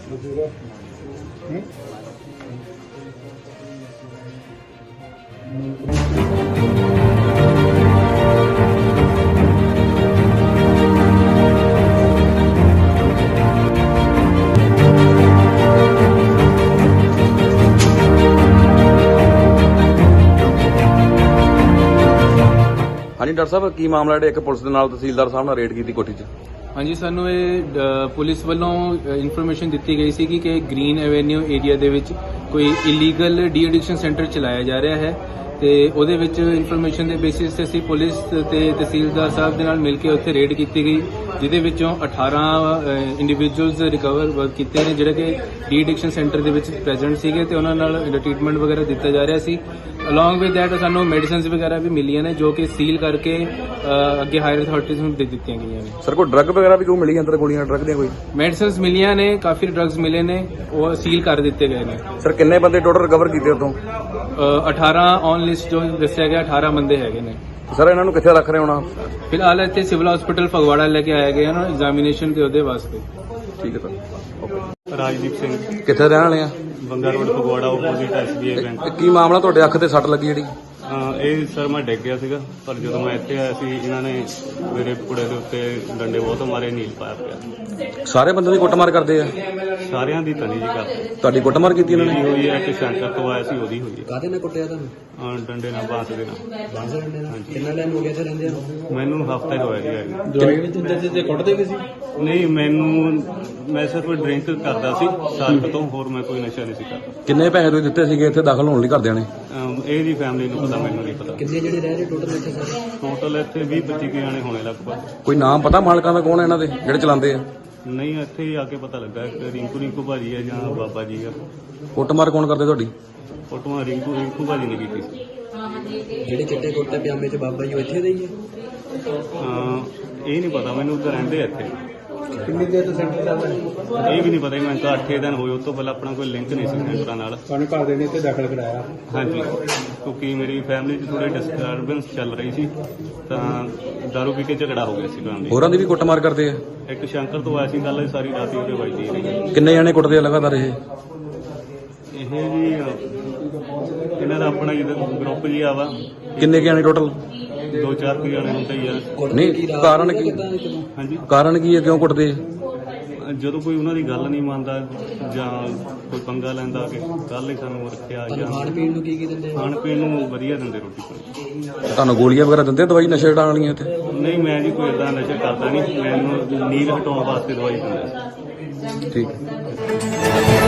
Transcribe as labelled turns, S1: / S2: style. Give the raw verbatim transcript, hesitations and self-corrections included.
S1: हाँ जी डॉक्टर साहब की मामला है एक पुलिस के नाल तहसीलदार साहब ने रेड की कोठी च।
S2: हाँ जी सानू ये पुलिस वालों इन्फॉर्मेशन दी गई सी कि ग्रीन एवेन्यू एरिया दे विच कोई इलीगल डी एडिक्शन सेंटर चलाया जा रहा है ते ओदे विच इन्फॉर्मेशन के बेसिस ते असीं पुलिस ते तहसीलदार साहब दे नाल मिल के उत्थे रेड की गई जिहदे विचों अठारह इंडिविजुअल्स रिकवर कीते ने जिहड़े कि डी एडिक्शन सेंटर दे विच प्रेजेंट सीगे ते उन्हां नाल ट्रीटमेंट वगैरह दिता जा रहा सी। अलॉन्ग विद दैट सानू मेडिसिन वगैरह भी मिलियां ने जो कि सील करके अगे हायर अथॉरिटीज़ नूं दे दित्तियां गईयां ने।
S1: सर कोई ड्रग वगैरह भी कोई मिली अंदर गोलियां ड्रग दी कोई
S2: मेडिसिन मिलियां ने काफ़ी ड्रग्स मिले ने वो सील कर दिते गए ने।
S1: सर किन्ने बंदे टोटल रिकवर कीते उतों?
S2: अठारह ऑन लिस्ट जो दस्सिया गया अठारह बंदे हैगे ने।
S1: सर इन्हां नूं कित्थे रख रहे होना?
S2: फिलहाल इत्थे सिविल हॉस्पिटल फगवाड़ा लेके आया गया ना एग्जामिनेशन के ओदे वास्ते।
S1: ठीक है सर।
S3: राजदीप सिंह
S1: कित्थे रहण वाले आ?
S3: Banga road Phagwara opposite S B I bank.
S1: की मामला तुहाडे अख ते सੱਟ ਲੱਗੀ ਜਿਹੜੀ?
S3: ਇਹ ਸਰ ਮੈਂ ਡਿੱਗ ਗਿਆ ਸੀਗਾ ਪਰ ਜਦੋਂ ਮੈਂ ਇੱਥੇ ਆਇਆ ਸੀ ਇਹਨਾਂ ਨੇ ਮੇਰੇ ਕੁੜੇ ਦੇ ਉੱਤੇ ਡੰਡੇ ਬਹੁਤ ਮਾਰੇ ਨੀਲ ਪਾਇਆ ਪਿਆ।
S1: ਸਾਰੇ ਬੰਦੇ ਦੀ ਕੁੱਟਮਾਰ ਕਰਦੇ ਆ?
S3: ਸਾਰਿਆਂ ਦੀ ਤਨੀ ਜੀ ਕਰ
S1: ਤੁਹਾਡੀ ਕੁੱਟਮਾਰ ਕੀਤੀ ਇਹਨਾਂ ਨੇ?
S3: ਹੋਈ ਹੈ ਕਿ ਸੈਂਟਰ ਤੋਂ ਆਇਆ ਸੀ ਉਹਦੀ ਹੋਈ ਹੈ।
S4: ਕਾਹਦੇ ਨਾਲ ਕੁੱਟਿਆ ਤੁਹਾਨੂੰ?
S3: ਹਾਂ, ਡੰਡੇ ਨਾਲ ਬਾਂਸ ਦੇ ਨਾਲ।
S4: ਬਾਂਸ ਡੰਡੇ ਨਾਲ? ਕਿੰਨਾ ਟਾਈਮ ਹੋ ਗਿਆ ਇੱਥੇ ਰਹਿੰਦੇ ਆ?
S3: ਮੈਨੂੰ ਹਫਤਾ ਹੀ ਹੋਇਆ ਜੀ ਆਏ।
S4: ਦਵਾਈ ਵੀ ਦਿੰਦੇ ਸੀ ਤੇ ਕੁੱਟਦੇ ਵੀ ਸੀ?
S3: ਨਹੀਂ, ਮੈਨੂੰ ਮੈਂ ਸਿਰਫ ਡਰਿੰਕ ਕਰਦਾ ਸੀ ਸਾਲ ਕੁ ਤੋਂ, ਹੋਰ ਮੈਂ ਕੋਈ ਨਸ਼ਾ ਨਹੀਂ ਸੀ ਕਰਦਾ।
S1: ਕਿੰਨੇ ਪੈਸੇ ਤੁਸੀਂ ਦਿੱਤੇ ਸੀਗੇ ਇੱਥੇ ਦਾਖਲ ਹੋਣ ਲਈ ਘਰਦਿਆਂ ਨੇ?
S3: ਇਹਦੀ ਫੈਮਿਲੀ ਨੂੰ ਪਤਾ, ਮੈਨੂੰ ਨਹੀਂ ਪਤਾ।
S4: ਕਿੰਨੇ ਜਿਹੜੇ ਰਹਿ ਰਹੇ ਟੋਟਲ ਇੱਥੇ ਸਾਰੇ?
S3: ਟੋਟਲ ਇੱਥੇ ਵੀਹ ਪੱਚੀ ਕੁ ਜਾਣੇ ਹੋਣੇ ਲਗਭਗ।
S1: ਕੋਈ ਨਾਮ ਪਤਾ ਮਾਲਕਾਂ ਦਾ ਕੌਣ ਹੈ ਇਹਨਾਂ ਦੇ ਜਿਹੜੇ ਚਲਾਉਂਦੇ ਆ?
S3: ਨਹੀਂ, ਇੱਥੇ ਹੀ ਆ ਕੇ ਪਤਾ ਲੱਗਾ ਕਿ ਰਿੰਕੂ ਰਿੰਕੂ ਭਾਜੀ ਹੈ ਜਾਂ ਬਾਬਾ ਜੀ ਆ।
S1: ਕੁੱਟਮਾਰ ਕੌਣ ਕਰਦੇ ਤੁਹਾਡੀ?
S3: ਫੋਟੋਆਂ ਰਿੰਕੂ ਰਿੰਕੂ ਭਾਜੀ ਨੇ ਕੀਤੀ ਸੀ।
S4: ਜਿਹੜੇ ਚਿੱਟੇ ਕੁੱਟੇ ਪਜਾਮੇ ਚ ਬਾਬਾ ਜੀ ਉਹ ਇੱਥੇ ਦੇ ਹੀ ਆ?
S3: ਹਾਂ, ਇਹ ਨਹੀਂ ਪਤਾ ਮੈਨੂੰ, ਉੱਧਰ ਰਹਿੰਦੇ ਆ ਇੱਥੇ।
S4: ਕਿੰਨੀ ਦੇਰ ਤੋਂ ਸੈਂਟਰ ਚੱਲਦਾ ਹੈ?
S3: ਇਹ ਵੀ ਨਹੀਂ ਪਤਾ ਜੀ, ਮੈਨੂੰ ਤਾਂ ਅੱਠ ਦਿਨ ਹੋਏ। ਉਸ ਤੋਂ ਪਹਿਲਾਂ ਆਪਣਾ ਕੋਈ ਲਿੰਕ ਨਹੀਂ ਸੀ ਸੈਂਟਰਾਂ ਨਾਲ।
S4: ਤੁਹਾਨੂੰ ਘਰ ਦੇ ਨੇ ਇੱਥੇ ਦਾਖਲ ਕਰਾਇਆ?
S3: ਹਾਂਜੀ, ਕਿਉਂਕਿ ਮੇਰੀ ਫੈਮਿਲੀ 'ਚ ਥੋੜੀ ਡਿਸਟਰਬੈਂਸ ਚੱਲ ਰਹੀ ਸੀ ਤਾਂ ਦਾਰੂ ਪੀ ਕੇ ਝਗੜਾ ਹੋ ਗਿਆ ਸੀ ਘਰਾਂ ਦੇ।
S1: ਹੋਰਾਂ ਦੀ ਵੀ ਕੁੱਟਮਾਰ ਕਰਦੇ ਆ?
S3: ਇੱਕ ਸ਼ੰਕਰ ਤੋਂ ਆਇਆ ਸੀ, ਗੱਲ ਸਾਰੀ ਰਾਤ ਹੀ ਉਹਦੇ ਵੱਜਦੀ ਰਹੀ।
S1: ਕਿੰਨੇ ਜਾਣੇ ਕੁੱਟਦੇ ਆ ਲਗਾਤਾਰ ਇਹ?
S3: ਇਹ ਜੀ ਇਹਨਾਂ ਦਾ ਆਪਣਾ ਜਿਹੜਾ ਗਰੁੱਪ ਜੀ ਆ ਵਾ।
S1: ਕਿੰਨੇ ਕੁ ਜਾਣੇ ਟੋਟਲ?
S3: ਦੋ ਚਾਰ ਕੁ ਜਾਣੇ ਹੁੰਦੇ ਹੀ ਆ।
S1: ਨਹੀਂ, ਕਾਰਨ ਕੀ?
S3: ਹਾਂਜੀ,
S1: ਕਾਰਨ ਕੀ ਹੈ, ਕਿਉਂ ਕੁੱਟਦੇ ਆ?
S3: ਜਦੋਂ ਕੋਈ ਉਹਨਾਂ ਦੀ ਗੱਲ ਨਹੀਂ ਮੰਨਦਾ ਜਾਂ ਕੋਈ ਪੰਗਾ ਲੈਂਦਾ ਕਿ ਕੱਲ ਹੀ ਸਾਨੂੰ ਰੱਖਿਆ ਜਾਂ
S4: ਖਾਣ ਪੀਣ ਨੂੰ ਕੀ ਕੀ ਦਿੰਦੇ?
S3: ਖਾਣ ਪੀਣ ਨੂੰ ਵਧੀਆ ਦਿੰਦੇ, ਰੋਟੀ ਪਾਣੀ।
S1: ਤੁਹਾਨੂੰ ਗੋਲੀਆਂ ਵਗੈਰਾ ਦਿੰਦੇ, ਦਵਾਈ ਨਸ਼ੇ ਹਟਾਉਣ ਵਾਲੀਆਂ ਇੱਥੇ?
S3: ਨਹੀਂ, ਮੈਂ ਜੀ ਕੋਈ ਏਦਾਂ ਨਸ਼ਾ ਕਰਦਾ ਨਹੀਂ, ਮੈਨੂੰ ਨੀਂਦ ਹਟਾਉਣ ਵਾਸਤੇ ਦਵਾਈ ਦਿੰਦੇ।
S1: ਠੀਕ ਹੈ।